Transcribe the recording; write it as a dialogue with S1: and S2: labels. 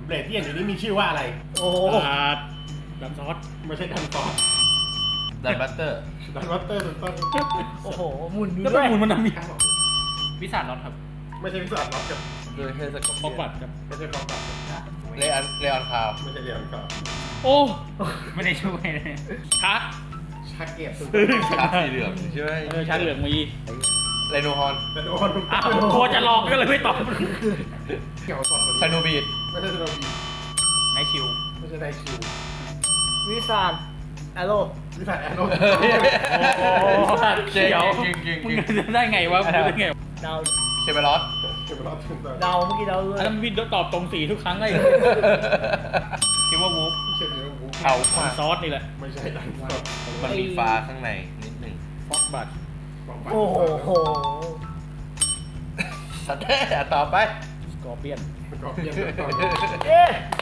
S1: เบลดที่เห็นอยู่นี้มีชื่อว่าอะไร
S2: โอ้
S3: ดันซอส
S1: ไม่ใช่ดันฟอร์
S4: ดันบัตเตอร์
S1: ดันวัตเตอร์ถูกต้อง
S2: โอ้โหหมุนอยู่
S3: แล้ว
S2: ด้
S3: เป็
S2: วน ย
S3: มูลมันทำยัง
S1: ครับผม
S5: วิสานน็อตครับ
S1: ไม่ใช่วิสาล็อกกับ
S4: โดยเฮสกอ
S3: บล็อกบัตครับ
S1: ไม่ใช่ฟองตัด
S4: เลออนคาว
S1: ไม่ใช่เรียนครับ
S3: โอ้
S5: ไม่ได้ช่วยเลย
S3: ชัก
S1: ชาเก็บถูก
S4: ชาสีเหลืองใช่ไหม
S3: ชักเหลืองมี
S4: ไลโนฮอน
S1: แต่โดนถูก
S3: อ้า
S1: ต้
S3: ว
S1: อง
S3: โคจะลองก็เลยไม่ตอบ
S1: เกี่ยวสอด
S4: ไซโนบีด
S1: ไม่ใช่โดนบี
S5: ไนท์ชิล
S1: ไม่ใช่ไดคิว
S2: วิสานแอโร่
S1: วิสาแอนโน
S3: โอ้เขียว
S4: จริงจริง
S3: มึงจะได้ไงวะมึงได้ไง
S2: ดาว
S4: เชเบรอส
S1: เก็บรอบถูกต้อง
S2: ดาวเมื่อกี้ดาวด้วย
S3: อันนั้นวินตอบตรงสีทุกครั้งเลย
S5: คิดว่าวูฟ
S1: ไม่ใช่เรียนวู
S4: เอา
S3: ซอสนี่แหละ
S1: ไม่ใช่ดันฟอร์
S4: มันมีฟ้าข้างในนิดหนึ่ง
S3: ฟ็อกบัต
S2: โอ้โห
S4: สัตว์แท้ต่อไป
S3: สกอร์เปียน
S1: ก็เปลี่ยนถูกต้อง
S2: เอ๊ะ